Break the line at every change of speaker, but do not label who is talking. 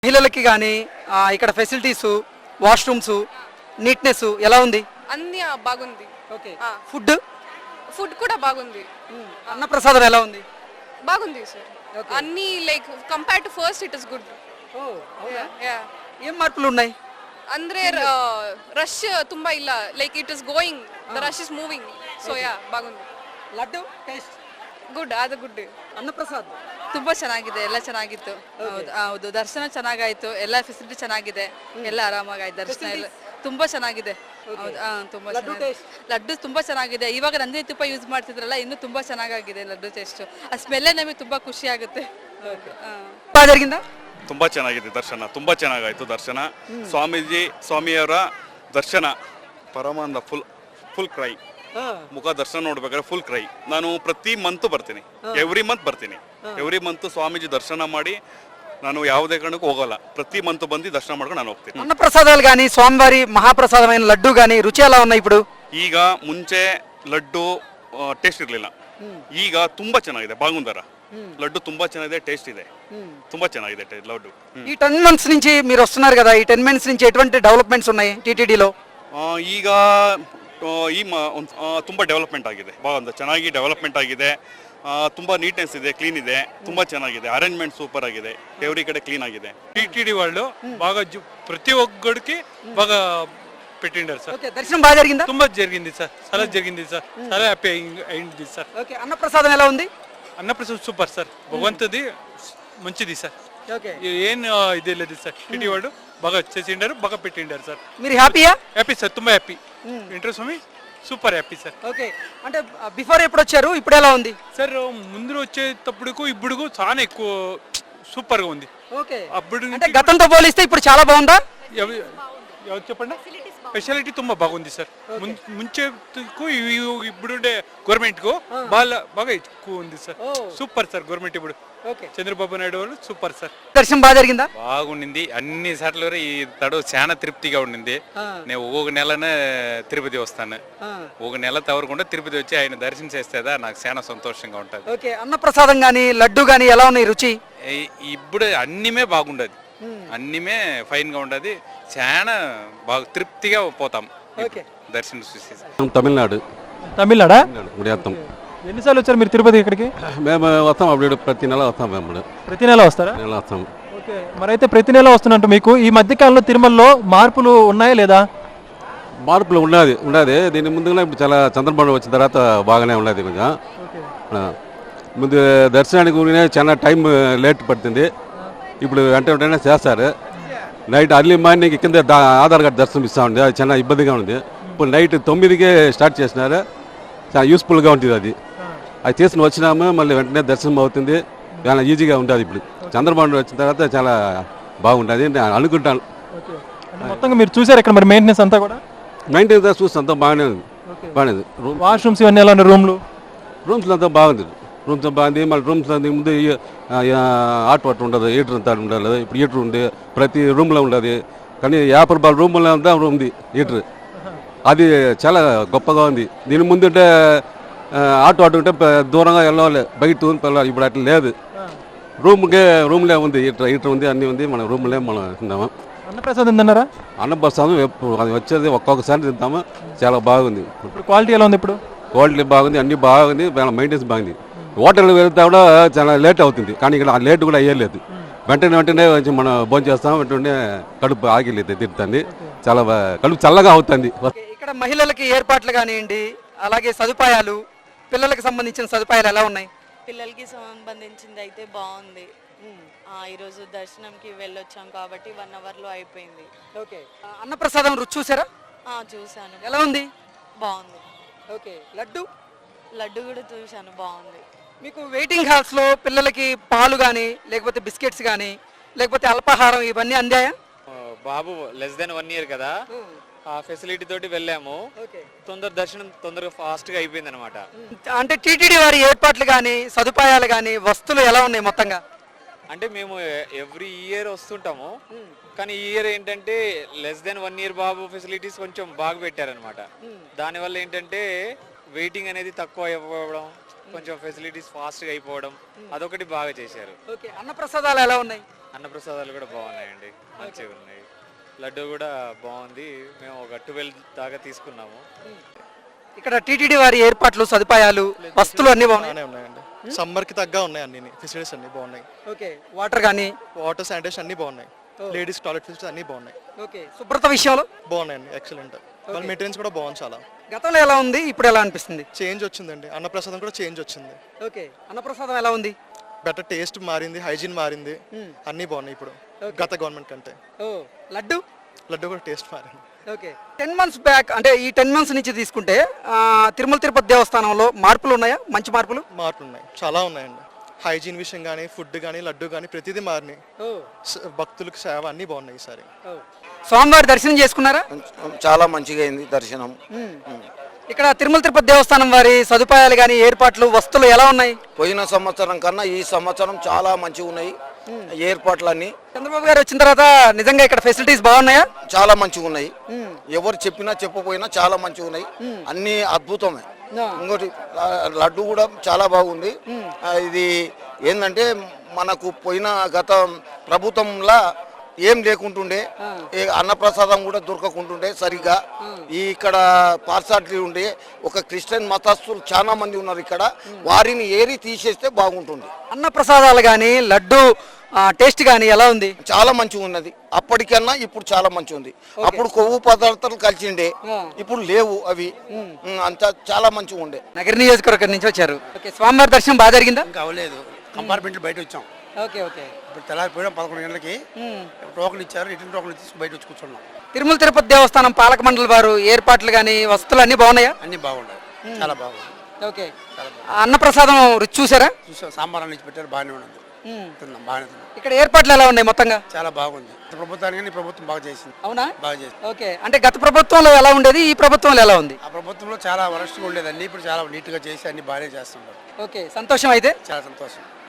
మహిళలకి కానీ ఇక్కడ ఫెసిలిటీస్ వాష్రూమ్స్ నీట్నెస్ ఎలా ఉంది?
అన్ని బాగుంది.
ఓకే.
ఆ.
ఫుడ్
ఫుడ్ కూడా బాగుంది.
అన్నప్రసాదం ఎలా ఉంది?
బాగుంది సార్.
Okay.
అన్ని like compare to first it is good.
ఏం మార్పులు ఉన్నాయి?
ಅಂದ್ರೆ ರಶ್ ತುಂಬಾ ಇಲ್ಲ, like it is going, the rush is moving, so yeah ಬಾಗುಂದು.
ಲಡ್ಡು ಟೇಸ್ಟ್
ಗುಡ್, ಅದು ಗುಡ್.
ಅನ್ನಪ್ರಸಾದ
ತುಂಬಾ ಚೆನ್ನಾಗಿದೆ, ಎಲ್ಲ ಚೆನ್ನಾಗಿತ್ತು. ಹೌದು, ದರ್ಶನ ಚೆನ್ನಾಗಾಯ್ತು, ಎಲ್ಲ ಫೆಸಿಲಿಟಿ ಚೆನ್ನಾಗಿದೆ, ಎಲ್ಲ ಆರಾಮಾಗಾಯ್ತು. ದರ್ಶನ ಎಲ್ಲ ತುಂಬಾ ಚೆನ್ನಾಗಿದೆ. ಹೌದು, ತುಂಬಾ ಚೆನ್ನಾಗಿದೆ. ಲಡ್ಡು ತುಂಬಾ ಚೆನ್ನಾಗಿದೆ. ಇವಾಗ ನಂದಿನಿ ತುಪ್ಪ ಯೂಸ್ ಮಾಡ್ತಿದ್ರಲ್ಲ, ಇನ್ನೂ ತುಂಬಾ ಚೆನ್ನಾಗಾಗಿದೆ ಲಡ್ಡು ಟೇಸ್ಟ್. ಆ ಸ್ಮೆಲ್ಲೇ ನಮಗೆ ತುಂಬಾ ಖುಷಿ ಆಗುತ್ತೆ.
జరిగిందా?
ತುಂಬಾ ಚೆನ್ನಾಗಿದೆ ದರ್ಶನ, ತುಂಬಾ ಚೆನ್ನಾಗಾಯ್ತು ದರ್ಶನ. ಸ್ವಾಮಿಯವರ ದರ್ಶನ ಪರಮಾನಂದ, ಫುಲ್ ಕ್ರೈ. ಮುಖ ದರ್ಶನ ನೋಡ್ಬೇಕಾದ್ರೆ ಫುಲ್ ಕ್ರೈ. ನಾನು ಪ್ರತಿ ಮಂತ್ ಬರ್ತೀನಿ, ಎವ್ರಿ ಮಂತ್ ಬರ್ತೀನಿ. ಎವ್ರಿ ಮಂತ್ ಸ್ವಾಮೀಜಿ ದರ್ಶನ ಮಾಡಿ ನಾನು ಯಾವುದೇ ಕಾರಣಕ್ಕೂ ಹೋಗಲ್ಲ. ಪ್ರತಿ ಮಂತ್ ಬಂದು ದರ್ಶನ ಮಾಡ್ಕೊಂಡು ನಾನು ಹೋಗ್ತೀನಿ.
అన్నప్రసాదాలు కానీ స్వామివారి మహాప్రసాదమైన లడ్డు కానీ రుచి ఎలా ఉన్నాయి ఇప్పుడు?
ಈಗ ಮುಂಚೆ ಲಡ್ಡು ಟೇಸ್ಟ್ ಇರಲಿಲ್ಲ, ಈಗ ತುಂಬಾ ಚೆನ್ನಾಗಿದೆ. ಬಾಗುಂದರ లడ్డు ತುಂಬಾ ಚೆನ್ನಾಗಿದೆ, టేస్ట్ ಇದೆ, ತುಂಬಾ ಚೆನ್ನಾಗಿದೆ లడ్డు.
ఈ 10 months నుంచి మీరు వస్తున్నారు కదా, ఈ 10 months నుంచి ఎటువంటి డెవలప్మెంట్స్ ఉన్నాయి టీటీడీలో?
ಈಗ ತುಂಬಾ ಡೆವಲಪ್ಮೆಂಟ್ ಆಗಿದೆ, ಬಾಗುಂದ ಚೆನ್ನಾಗಿ ಡೆವಲಪ್ಮೆಂಟ್ ಆಗಿದೆ. ತುಂಬಾ ನೀಟ್ನೆಸ್ ಇದೆ, క్లీన్ ಇದೆ, ತುಂಬಾ ಚೆನ್ನಾಗಿದೆ. అరేంజ్మెంట్ సూపర్ ఆಗಿದೆ, ఎవరి కಡೆ క్లీన్ ఆಗಿದೆ.
టీటీడీ వాళ్ళు బాగా ప్రతి ఒక్కడికి బాగా పెట్టిండారు సార్.
దర్శనం బాగా జరిగిందా?
ತುಂಬಾ జరిగింది సార్, చాలా జరిగింది సార్, చాలా హ్యాపీ అయింది సార్.
ఓకే. అన్నప్రసాదం ఎలా ఉంది?
అన్నప్రసాద్ సూపర్ సార్, భగవంతుది మంచిది సార్. ఏం ఇది లేదు సార్, టీటీ వాళ్ళు బాగా చేసిండారు, బాగా పెట్టిండారు సార్.
మీరు హ్యాపీయా?
హ్యాపీ సార్, ತುಂಬಾ happy. Venkateswara Swamy super happy sir.
Okay. అంటే బిఫోర్ ఎప్పుడు వచ్చారు, ఇప్పుడు ఎలా ఉంది
సార్? ముందు వచ్చేటప్పుడు ఇప్పుడు చాలా ఎక్కువ సూపర్ గా ఉంది.
ఓకే.
అప్పుడు
అంటే గతంతో పోలిస్తే ఇప్పుడు చాలా బాగుందా?
ఎవరు చెప్పండి? స్పెషాలిటీ ತುಂಬಾ బాగుంది సార్. ముంచేకు ఇప్పుడుండే గవర్నమెంట్ కు బాగా ఎక్కువ ఉంది సార్. సూపర్ సార్ గవర్నమెంట్ ఇప్పుడు. చంద్రబాబు నాయుడు వాళ్ళు సూపర్ సార్.
దర్శనం బాగా జరిగిందా?
బాగుండింది, అన్ని సార్లు ఈ తడు చాలా తృప్తిగా ఉండింది. నేను ఒక నెలనే తిరుపతి వస్తాను, ఒక నెల తవరకుండా తిరుపతి వచ్చి ఆయన దర్శనం చేస్తేదా నాకు చాలా సంతోషంగా ఉంటుంది.
ఓకే. అన్నప్రసాదం గానీ లడ్డు గానీ ఎలా ఉన్నాయి రుచి?
ఇప్పుడు అన్నిమే బాగుండదు, అన్నిమే ఫైన్ గా ఉండదు, చాలా బాగా తృప్తిగా పోతాం దర్శనం చూసి.
తమిళనాడు.
తమిళనాడా?
గుడియాత్తం.
ఎన్నిసార్లు వచ్చారు మీరు తిరుపతి ఇక్కడికి?
మేము వస్తాం, అప్పుడు ప్రతి నెల వస్తాం. మేము
ప్రతి నెల వస్తారా?
నెల వస్తాం.
ఓకే. మరైతే ప్రతి నెల వస్తున్నట్టు మీకు ఈ మధ్యకాలంలో తిరుమలలో మార్పులు ఉన్నాయా లేదా?
మార్పులు ఉన్నది. దీని ముందుగా ఇప్పుడు చాలా చంద్రబాబు వచ్చిన తర్వాత బాగానే ఉన్నది. కొంచెం ముందు దర్శనానికి ఊరినే చాలా టైం లేట్ పడుతుంది, ఇప్పుడు వెంటనే చేస్తారు. నైట్ అర్లీ మార్నింగ్ కింద ఆధార్ కార్డు దర్శనం ఇస్తూ ఉంది, అది చాలా ఇబ్బందిగా ఉంది. ఇప్పుడు నైట్ 9కే స్టార్ట్ చేసినారు, చాలా యూస్ఫుల్గా ఉంటుంది. అది తీసుకుని వచ్చినాము, మళ్ళీ వెంటనే దర్శనం అవుతుంది, చాలా ఈజీగా ఉంటుంది. ఇప్పుడు చంద్రబాబు వచ్చిన తర్వాత చాలా బాగుంటుంది నేను అనుకుంటాను.
మొత్తంగా మీరు చూసారు ఇక్కడ మరి మెయింటెనెన్స్ అంతా కూడా?
మెయింటెనెన్స్ చూస్తే అంతా బాగానే ఉంది.
వాష్రూమ్స్ ఇవన్నీ ఎలా ఉన్నాయి?
రూమ్స్లో అంతా బాగుంది. రూమ్స్ బాగుంది. మళ్ళీ రూమ్స్ ముందు హాట్ వాటర్ ఉండదు, హీటర్ అంతా ఉండదు. ఇప్పుడు హీటర్ ఉంది, ప్రతి రూమ్లో ఉండదు. కానీ 50 రూపాయల రూమ్లో అంతా ఉంది హీటర్, అది చాలా గొప్పగా ఉంది. దీని ముందు ఉంటే హాట్ వాటర్ ఉంటే దూరంగా వెళ్ళాలి, బయట వెళ్ళాలి. ఇప్పుడు అట్లా లేదు, రూమ్లే ఉంది, హీటర్ ఉంది, అన్నీ ఉంది. మన రూమ్లే మనం తిందాము.
అన్నప్రసాదం తిన్నారా?
అన్నప్రసాదం అది వచ్చేది ఒక్కొక్కసారి తింటాము, చాలా బాగుంది.
క్వాలిటీ ఎలా ఉంది? ఇప్పుడు
క్వాలిటీ బాగుంది, అన్నీ బాగుంది, మెయింటెనెన్స్ బాగుంది. హోటల్కి వెళ్తే కూడా చాలా లేట్ అవుతుంది, కానీ ఇక్కడ ఆ లేట్ కూడా అయ్యలేదు. వెంటనే కొంచెం మనం భోజనం చేస్తాం, వెంటనే కడుపు ఆగిలేదు తిరుగుతుంది, చాలా కడుపు చల్లగా అవుతుంది.
ఇక్కడ మహిళలకి ఏర్పాట్లు కానివ్వండి, అలాగే సదుపాయాలు, పిల్లలకు సంబంధించిన సదుపాయాలు ఎలా ఉన్నాయి?
పిల్లలకి సంబంధించింది అయితే బాగుంది. ఈరోజు దర్శనంకి వెళ్ళొచ్చాం కాబట్టి 1 అవర్లో అయిపోయింది.
ఓకే. అన్నప్రసాదం రుచి చూసారా?
చూశాను.
ఎలా ఉంది?
బాగుంది.
ఓకే. లడ్డు
కూడా చూశాను, బాగుంది.
మీకు వెయిటింగ్ హాల్స్లో పిల్లలకి పాలు కానీ, లేకపోతే బిస్కెట్స్ కానీ, లేకపోతే అల్పాహారం ఇవన్నీ అందాయా?
బాబు లెస్ దెన్ 1 year కదా, ఆ ఫెసిలిటీ తోటి వెళ్ళాము. దర్శనం తొందరగా ఫాస్ట్గా అయిపోయింది అనమాట.
అంటే టీటీడీ వారి ఏర్పాట్లు కానీ, సదుపాయాలు కానీ, వస్తువులు ఎలా ఉన్నాయి మొత్తంగా?
అంటే మేము ఎవ్రీ ఇయర్ వస్తుంటాము, కానీ ఈ ఇయర్ ఏంటంటే లెస్ దెన్ 1 year బాబు ఫెసిలిటీస్ కొంచెం బాగా పెట్టారనమాట. దానివల్ల ఏంటంటే వెయిటింగ్ అనేది తక్కువ అయిపోవడం, కొంచెం ఫెసిలిటీస్ ఫాస్ట్గా అయిపోవడం, అదొకటి బాగా చేశారు.
అన్నప్రసాదాలు ఎలా ఉన్నాయి?
అన్నప్రసాదాలు కూడా బాగున్నాయండి, మంచిగా ఉన్నాయి. లడ్డు కూడా బాగుంది. మేము ఒక 12 దాకా తీసుకున్నాము.
ఇక్కడ టీటీడీ వారి ఏర్పాట్లు, సదుపాయాలు, వస్తువులు అన్ని బాగున్నాయి.
బాగానే ఉన్నాయండి. సమ్మర్కి తగ్గ ఉన్నాయి అన్ని ఫెసిలిటీస్ అన్ని బాగున్నాయి.
ఓకే, వాటర్ కానీ,
వాటర్ శానిటేషన్ అన్ని బాగున్నాయి. లేడీస్ టాయిలెట్ ఫెసిలిటీస్ అన్ని బాగున్నాయి.
ఓకే, శుభ్రత విషయంలో
బాగున్నాయండి, ఎక్సలెంట్. వాళ్ళ మెయింటెనెన్స్ కూడా బాగుంది. చాలా
గతంలో ఎలా ఉంది, ఇప్పుడు ఎలా అనిపిస్తుంది?
చేంజ్ వచ్చిందండి. అన్నప్రసాదం కూడా చేంజ్ వచ్చింది.
ఓకే, అన్నప్రసాదం ఎలా ఉంది?
బెటర్ టేస్ట్ మారింది, హైజీన్ మారింది, అన్నీ బాగున్నాయి ఇప్పుడు గత గవర్నమెంట్ కంటే.
లడ్డు
లడ్డు కూడా టేస్ట్ మారింది.
ఓకే, 10 months బ్యాక్, అంటే ఈ 10 months నుంచి తీసుకుంటే తిరుమల తిరుపతి దేవస్థానంలో మార్పులు ఉన్నాయా? మంచి మార్పులు
మార్పులు ఉన్నాయి, చాలా ఉన్నాయండి. హైజీన్ విషయం కానీ, ఫుడ్ కానీ, లడ్డు కానీ ప్రతిదీ మారినాయి. భక్తులకు సేవ అన్నీ బాగున్నాయి ఈసారి.
స్వామివారి దర్శనం చేసుకున్నారా?
చాలా మంచిగా అయింది దర్శనం.
ఇక్కడ తిరుమల తిరుపతి దేవస్థానం వారి సదుపాయాలు కానీ, ఏర్పాట్లు, వస్తువులు ఎలా ఉన్నాయి?
పోయిన సంవత్సరం కన్నా ఈ సంవత్సరం చాలా మంచిగా ఉన్నాయి ఏర్పాట్లన్నీ.
చంద్రబాబు గారు వచ్చిన తర్వాత నిజంగా ఇక్కడ ఫెసిలిటీస్ బాగున్నాయా?
చాలా మంచిగా ఉన్నాయి. ఎవరు చెప్పినా చెప్పపోయినా చాలా మంచిగా ఉన్నాయి. అన్ని అద్భుతమే. ఇంకోటి లడ్డు కూడా చాలా బాగుంది. ఇది ఏంటంటే మనకు పోయిన గత ప్రభుత్వంలా ఏం లేకుంటుండే, అన్నప్రసాదం కూడా దొరకకుంటుండే సరిగ్గా. ఇక్కడ పార్సాలిటీ ఉండే ఒక క్రిస్టియన్ మతస్థులు చాలా మంది ఉన్నారు ఇక్కడ, వారిని ఏరి తీసేస్తే బాగుంటుంది.
అన్న ప్రసాదాలు కానీ, లడ్డు టేస్ట్ కానీ ఎలా ఉంది?
చాలా మంచిగా ఉన్నది. అప్పటికన్నా ఇప్పుడు చాలా మంచిగా ఉంది. అప్పుడు కొవ్వు పదార్థాలు కలిసిండే, ఇప్పుడు లేవు అవి. అంతా చాలా మంచిగా ఉండే.
నగర నియోజకవర్గం నుంచి వచ్చారు. ఓకే, స్వామివారి దర్శనం బాగా జరిగిందా?
ఇంకా అవ్వలేదు, కంపార్ట్మెంట్ బయట వచ్చాం.
ఓకే ఓకే,
ఇప్పుడు తెల్లారిపోయాం 11 గంటలకి. టోకన్ ఇచ్చారు, రిటర్న్ టోకన్ తీసుకు బయట వచ్చి కూర్చున్నాం.
తిరుమల తిరుపతి దేవస్థానం పాలక మండలి వారు ఏర్పాట్లు కానీ, వస్తువులు అన్ని బాగున్నాయా?
అన్ని బాగున్నాయి, చాలా బాగుంది.
ఓకే, అన్నప్రసాదం రుచి చూసారా?
చూసాం, సాంబార్ అన్ని పెట్టారు, బాగానే ఉన్నది. తిన్నాం, బాగానే తిన్నాం.
ఇక్కడ ఏర్పాట్లు ఎలా ఉన్నాయి మొత్తంగా?
చాలా బాగుంది. ప్రభుత్వానికి ప్రభుత్వం బాగా చేసింది.
అవునా?
బాగా చేసింది.
ఓకే, అంటే గత ప్రభుత్వంలో ఎలా ఉండేది, ఈ ప్రభుత్వంలో ఎలా ఉంది?
ఆ ప్రభుత్వంలో చాలా వరస్ట్గా ఉండేది, అన్ని ఇప్పుడు చాలా నీట్గా చేసి అన్ని బాగానే చేస్తున్నారు.
ఓకే, సంతోషం అయితే.
చాలా సంతోషం.